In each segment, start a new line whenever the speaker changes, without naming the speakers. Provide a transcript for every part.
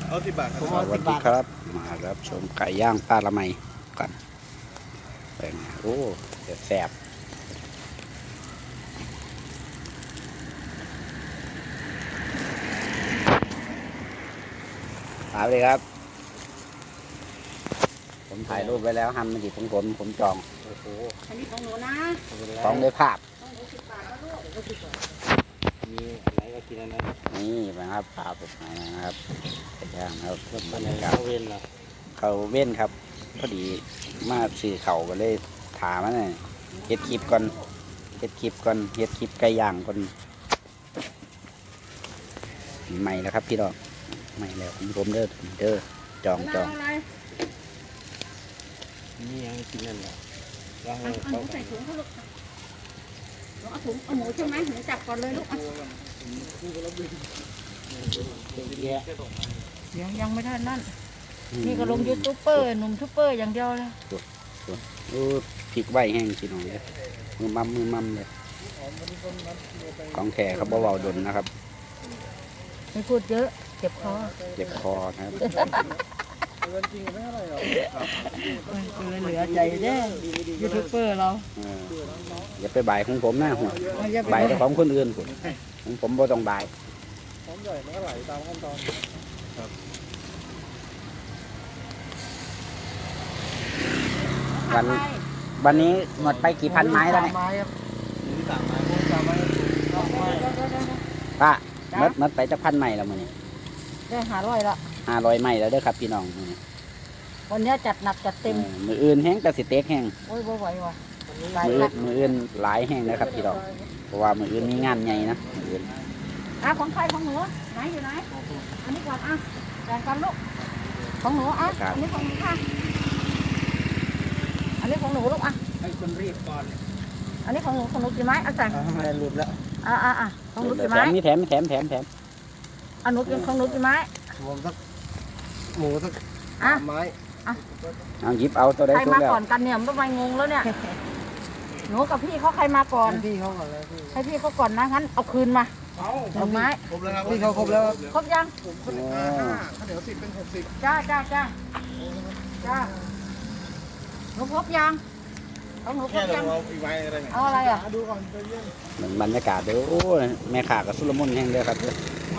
เอา10 บาทครับ
สวัสดีครับมารับชมไก่ย่างป้าละไมกันเป็นไงโอ้เดี๋ยวแสบถามเลยครับผมถ่ายรูปไว้แล้วทำมันดีของผมจองโอ้โห
อันนี้ของหนูนะ
ของด้วยภาพ
ต้องหนู10 บาทแล้วลูก
มีอะไรก็กินอันนั้น
นี่นะครับภาพผมมานะครับไก่ย่างนะครับบรรยากาศ
เข้าเวรเหรอ
เขาเว้นครับพอดีมาสื่อเขาก็เลยถามว่าเนี่ยเฮ็ดคลิปก่อนเฮ็ดคลิปไก่ย่างก่อนใหม่แล้วครับพี่น้องใหม่แล้วผมเด้อจอง
เอาอะไร
มียังกินนั่นเหรอแล้ว
เอา
ให้
หนู
เขา
ใส่ถุงเขาลูกเอาถุงเอาหมูใช่ไหมหนูจับก่อนเลยลูก
แยะ
ยังไม่ทันนั่นนี่ก็ลงยูทูบเบอร์หนุ่มทูบเบอร์อย่างเดียวเลย
โอ้พริกไหวแห้งพี่น้องเลยมือมั่มเลยของแท้เขาเบาๆดนนะครับ
ไม่พูดเยอะเจ็บคอ
เจ็บคอนะครับ
เหลือใจเด้ยูทูบเบอร์เรา
อย่าไปบ่ายของผมนะหัวบ่ายแต่ของคนอื่นของผมบ่ต้องบ่าย
ของใหญ่มันก็ไหลตามขั้นตอน
วันนี้หมดไปกี่พันไม้แล้วเนี่ย
มี3 ไม้3 ไม้
ป้าหมดไปจะพันไม้แล้วมื้อนี้
ได้500ละ
500ไม้แล้วเด้อครับพี่น้องมื้อนี้
วันนี้จัดหนักจัดเต็ม
มืออื่นแห้งกระสิเต็กแห้ง
โอ้ยบ่ไหวว่ะ
มืออื่นหลายแห้งนะครับพี่น้องเพราะว่ามืออื่นมีงานใหญ่นะมื้ออื่น
ของใครของหนูไหนอยู่ไหนอันนี้ก่อนแบ่งกันลูกของหนูอันนี้ของหนูค่ะอันนี้ของหนูลูก
ให้คนรีบก่อน
อันนี้ของหนูกี่ไม้เอาใส่
ไม่หลุดแล้ว
ของหนูกี่
แถ
ไม้
มนี่แถม
อันหนูกินของหนูกี่ไม้
รวมสักหมูสัก 3 ไม้
เอาหยิบเอาตัวใด
ใคร
ตัว
มา
แล้ว
ก่อนกันเนี่ยมันไม่งงแล้วเนี่ย หนูกับพี่เขาใครมาก่อน
พี่เขาก่อนเลยพี่
ให้พี่เขาก่อนนะงั้นเอาคืนมา
เอา
1 ไม้
ครบแล้วครับพี่เขาครบแล้ว
ครบยัง
ผมคน5เดี๋ยว10เป็น60
จ้าหนูครบยังของหนูคร
แค่
บ
เรา
ยัง
เอาอีกไม้อะไรเนี่ย
เอาอะไรอ่ะ
ดูก่อนใจเย็น
เหมือนบรรยากาศเด้อโอ้ยแม่ขากับสุลมุนแห้งเด้อครับเด้อ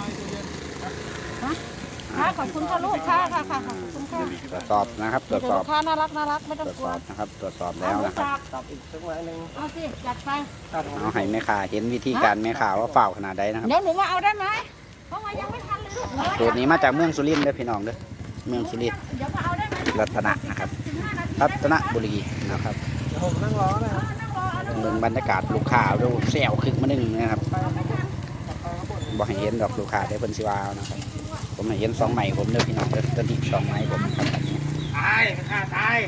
ขอบคุณค่ะลูกค่ะขอบคุณค่ะ
ตรวจสอบนะครับตรวจสอบ
ลูกค้าน่ารักไม่
ต
ต้อ
รง วจ
ก
ส
ลัว
อบนะครับตรวจสอบแล้วนะครับ
ตับอีกสักไม้หนึ่ง
เอาสิจัดไป
ตัด
เอาให้แม่ขาเห็นวิธีการแม่ขาว่าเฝ้าขนาดใดนะครับ
เดี๋ยวหนูมาเอาได้ไหมเพราะว่ายังไม่ทันเลยลูก
สูตรนี้มาจากเมืองสุรินทร์เด้อพี่น้องเด้อเมืองสุรินทร์
เดี๋ยวมาเอาได้ไหม
รัตนะนะครับ
15 นาที
รัตนบุรีนะครับ
เดี๋ยวผมนั่งรอนะครับ
นั่งรอเอา
เมืองบรรยากาศลูกค้าดูแซวคึกมาหนึ่งนะครับบอกให้เห็นดอกลูกค้าได้เพิ่นสิว่าเอานะครับผมให้เห็น2 ไม้ผมเด้อพี่น้องเด้อตัวนี้2 ไม้ผมครับอันนี้
ตายมันฆ่าตาย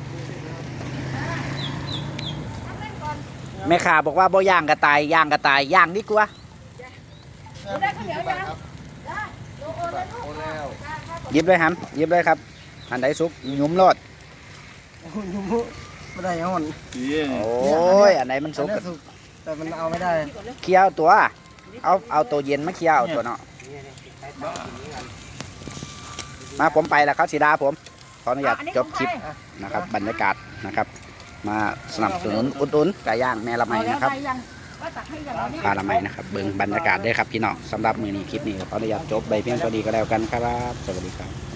แม่ขาบอกว่าบ่ย่างกระต่ายย่างกระต่ายย่างดีกว่า
ได้ข้าวเหนียวยังได้โลโอเลยลูก
โอ้แล้ว
หยิบเลยครับหยิบเลยครับอันใดสุกหยุ่มรอด
ไม่ได้ยังมัน
โอ้ยอันไหนมันสุก
อันนี้สุกแต่มันเอาไม่ได้
เคี่ยวตัวเอาตัวเย็นมาเคี่ยวตัวเนาะมาผมไปแล้วครับสีดาผมขออนุญาตจบคลิปนะครับบรรยากาศนะครับ มาสนับสนุนอุดหนุนไก่ย่างแม่ละไมนะครับ
ว่าตักให้อย่างเราเนี่ย
ปลาละไมนะครับเบิ่งบรรยากาศด้วยครับพี่น้องสำหรับมือนี้คลิปนี้ขออนุญาตจบไปเพียงเท่านี้ก็แล้วกันครับสวัสดีครับ